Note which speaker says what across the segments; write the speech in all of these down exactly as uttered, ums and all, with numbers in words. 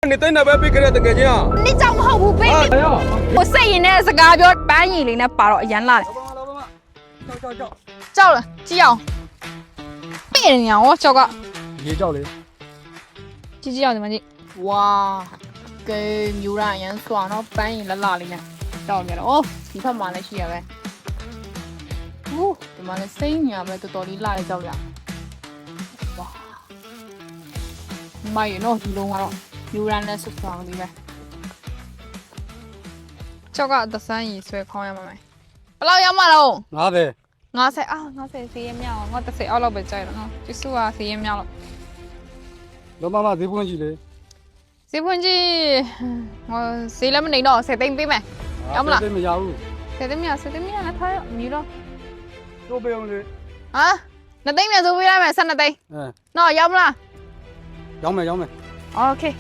Speaker 1: 你等那边别给他等个钱啊！
Speaker 2: 你找不好不背。我摄影呢是嘎表搬移的那把了演啦的。
Speaker 1: 照照照，
Speaker 2: 照了，只要。别人呀，我照个。
Speaker 1: 也照的。
Speaker 2: 几几要怎么的？哇，给牛腩盐酸了搬移了哪里呢？照给了哦，地方买了些呗。哦，怎么了？摄影啊，没得道理哪里照了？哇，买完了，地龙啊，牛腩呢是酸的呗。照个得三二歲看有冇咪？不嬲有冇咯？
Speaker 1: 哪的？
Speaker 2: 我食啊，我食四秒，我得食我老白仔啦，我結束啊四秒咯。
Speaker 1: 老媽媽幾半字的？
Speaker 2: 四半字，我四兩蚊嚟咯，食定邊咪？有冇啦？
Speaker 1: 對面有。
Speaker 2: 食定咩？食定咩？睇唔要咯。
Speaker 1: 都不用的。
Speaker 2: 啊？那定咩做邊啦？咪新那定。
Speaker 1: 嗯。
Speaker 2: 喏，有冇啦？
Speaker 1: 有沒有沒。
Speaker 2: OK。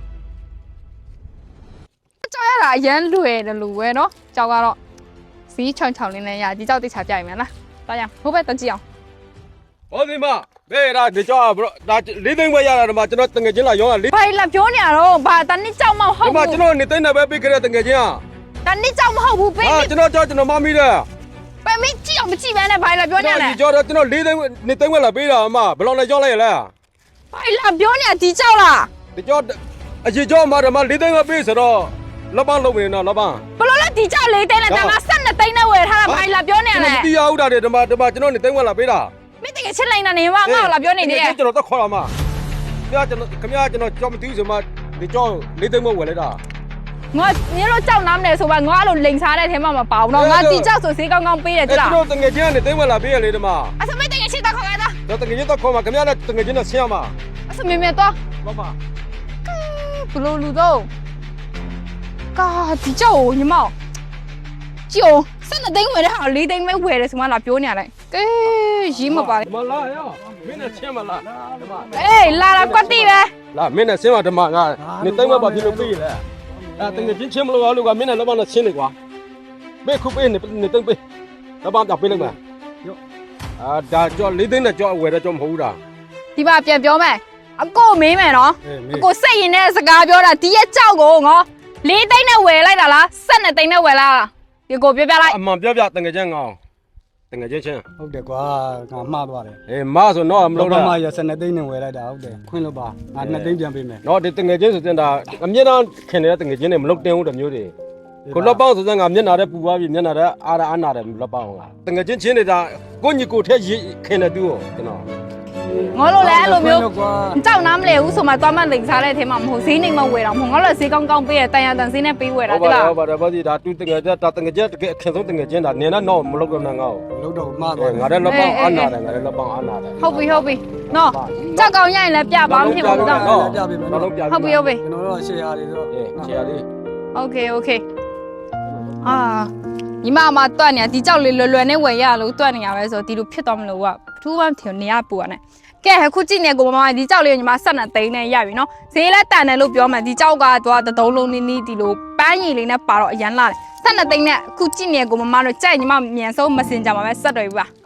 Speaker 2: 照下啦，人亂的路嘅咯，照下咯。สีชนชาวลินเลย呀ที่เจ้าติดฉาบใหญ่เหมือนนะตายังผู้เป็นตันเจียว
Speaker 1: โอ้ดิมาเบ้ได้เดี๋ยวจ้าบล็อกได้ลิ้นตึงไปยาละมาจะนอตึงเงินจีนละย้อนลิ้น
Speaker 2: ไปละပြောနေရတော့ဘာတန်นี่เจ้ามาဟုတ်
Speaker 1: ဒီမှာကျွန်တော်နေတိုင်းနဲ့ပဲပြီးကြတဲ့ตึงเงินจีนอ่ะ
Speaker 2: တန်นี่เจ้าမဟုတ်ဘူးပေး
Speaker 1: ဟာကျွန်တော်ကြောက်ကျွန်တော်မမီးတယ်
Speaker 2: ပဲမင်းကြည့်အောင်မကြည့်ပဲနဲ့ဘာလာပြောနေလဲ
Speaker 1: ဒီကြောတော့ကျွန်တော်လေးသိန်းနေသိန်းဝက်လာပေးတာအမဘယ်လောက်လဲကြောက်လိုက်ရလဲ
Speaker 2: ဘာလာပြောနေဒီเจ้าလား
Speaker 1: ဒီကြောအကြီးကြောမှာတော့မလေးသိန်းဝက်ပေးဆိုတော့လက်ပန်းလုံးနေတော့လက်ပန်း
Speaker 2: ဘလို့လဲဒီเจ้าလေးသိန်းနဲ့တမဆက်နှစ်သိန်းနဲ့ဝယ်ထားတာဘာလာပြောနေလဲ
Speaker 1: မတီးရဦးတာတဲ့ဒီမှာဒီမှာကျွန်တော်နေသိန်းဝက်လာပေးတာ
Speaker 2: မင်းတကယ်ချစ်လိုက်တာနေမငါ့ကိုလာပြောနေတယ်
Speaker 1: ကျွန်တော်တော့ခေါ်လာမှာခင်ဗျာကျွန်တော်ခင်ဗျာကျွန်တော်ကြောက်မတီးဆိုမှဒီကြောလေးသိန်းဝက်ဝယ်လိုက်တာ
Speaker 2: ငါနင်တို့เจ้าနားမလဲဆိုပါငါအဲ့လိုလိန်စားတဲ့ထဲမှာမပါဘူးတော့ငါဒီเจ้าဆိုဈေးကောင်းကောင်းပေးတယ်ကြလား
Speaker 1: ကျွန်တော်တငယ်ချင်းကနေသိန်းဝက်လာပေးရလေဒီမှာ
Speaker 2: အစမင်းတကယ်ချစ်တာခေါ်ရတာ
Speaker 1: တော့တငယ်ချင်းတော့ခေါ်မှာခင်ဗျာနဲ့တငယ်ချင်းနဲ့ဆင်းရမှာ
Speaker 2: အစမင်းမတော့
Speaker 1: ဘာပါ
Speaker 2: ဘလို့လူတော့ကာဒီเจ้าကိုညီမကြည့်အောင်စက်နှစ်သိန်းဝယ်တဲ့ဟာလေးသိန်းပဲဝယ်တယ်ဆိုမှလာပြောနေရတယ်ကဲရေးမပါလေ
Speaker 1: မလာရမင်းနဲ့ဆင်းမလားဒီမှာ
Speaker 2: အေးလာလာကွက်တိပဲ
Speaker 1: လာမင်းနဲ့ဆင်းမှာဒီမှာငါနေသိန်းဝက်ပါပြလို့ပေးရလဲအဲတငယ်ချင်းချင်းမလို့အားလို့ကမင်းနဲ့လက်ပန်းနဲ့ဆင်းနေကွာဘေးခုပေးနေနေသိန်းပေးလက်ပန်းပြပေးလိုက်မှာအာဒါကြောလေးသိန်းနဲ့ကြောဝယ်တဲ့ကြောမဟုတ်ဘူးလား
Speaker 2: ဒီပါပြန်ပြောမယ်အကိုမင်းမယ်နော်
Speaker 1: အေးမ
Speaker 2: အ
Speaker 1: င်း
Speaker 2: ကိုစိတ်ရင်တဲ့စကားပြောတာဒီရဲ့เจ้าကိုငေါလေးသိန်းနဲ့ဝယ်လိုက်တာလားစက်နှစ်သိန်းနဲ့ဝယ်လိုက်လားဒီကိုပြောပြလိုက်
Speaker 1: အမှန်ပြောပြတငယ်ချင်းငောင်းတငယ်ချင်းချင်း
Speaker 3: ဟုတ်တယ်ကွာငါမှားသွားတယ်
Speaker 1: အေးမဆိုတော့မ
Speaker 3: လော
Speaker 1: လို့
Speaker 3: က
Speaker 1: လား
Speaker 3: မှာရစနေသိန်းနဲ့ဝယ်လိုက်တာဟုတ်တယ်ခွင့်လို့ပါငါနှစ်သိန်းပြန်ပေးမယ်
Speaker 1: တော့ဒီတငယ်ချင်းဆိုတဲ့ဒါအမြင့်တန်းခင်နေတဲ့တငယ်ချင်းတွေမလုတ်တင်ဘူးတမျိုးတွေကိုလက်ပေါင်းဆိုတဲ့ငါမျက်နာတဲ့ပူသွားပြီမျက်နာတဲ့အားရအားနာတယ်လက်ပေါင်းကတငယ်ချင်းချင်းနေတာကိုညီကိုထက်ခင်နေတူကျွန်တော်
Speaker 2: ငေါလို့လဲအဲ့လိုမျိုး
Speaker 3: ကွာ
Speaker 2: เจ้าน้ำเลยဦးဆိုမှသွားမှလိန်စားတဲ့ထဲမှာမဟုတ်ဈေးနေမဝယ်တော့မဟုတ်ငါလည်းဈေးကောင်းကောင်းပေးရတန်ရတန်ဈေးနဲ့ပေးဝယ်တာ
Speaker 1: ဟုတ်
Speaker 2: တိ
Speaker 1: ပါ
Speaker 2: လား
Speaker 1: ဟုတ်ပါတယ်ဘာဒီဒါတူတငယ်ချင်းဒါတငယ်ချင်းတကယ်ခင်ဆုံးတငယ်ချင်းဒါနေနဲ့တော့မလုတ်တော့ငါ့ကို
Speaker 3: လို့တော့မှားသွား
Speaker 1: ငါတဲ့လက်ပေါင်းအားနာတယ်ငါတဲ့လက်ပေါင်းအားနာတယ်
Speaker 2: ဟုတ်ပြီဟုတ်ပြီနော်เจ้าကောင်းရရင်လည်းပြပါမဖြစ်ဘူးတော့
Speaker 1: နော်တော့လုံးပြ
Speaker 2: ဟုတ်ပြီဟုတ်ပြီ
Speaker 3: ကျွန်တော်တို့ရှယ်ယာတွေဆိုတော့
Speaker 1: အေးချေရလေး
Speaker 2: โอเคโอเคအာညီမအမတွတ်နေဒီเจ้าလေးလွယ်လွယ်နဲ့ဝယ်ရလို့တွတ်နေရပဲဆိုဒီလိုဖြစ်သွားမလို့ကထူးမှထင်နေရပူရတယ်ကဲအခုကြည့်နေကိုမမဒီเจ้าလေးညီမဆက်နေသိန်းနဲ့ရပြီနော်ဈေးလက်တန်တယ်လို့ပြောမှဒီเจ้าကတော့တုံးလုံးနီးနီးဒီလိုပန်းရည်လေးနဲ့ပါတော့အရန်လာတယ်ဆက်နေသိန်းနဲ့အခုကြည့်နေကိုမမတို့ကြိုက်ညီမမြန်ဆုံးမစင်ကြမှာပဲဆက်တော်ပြီပါ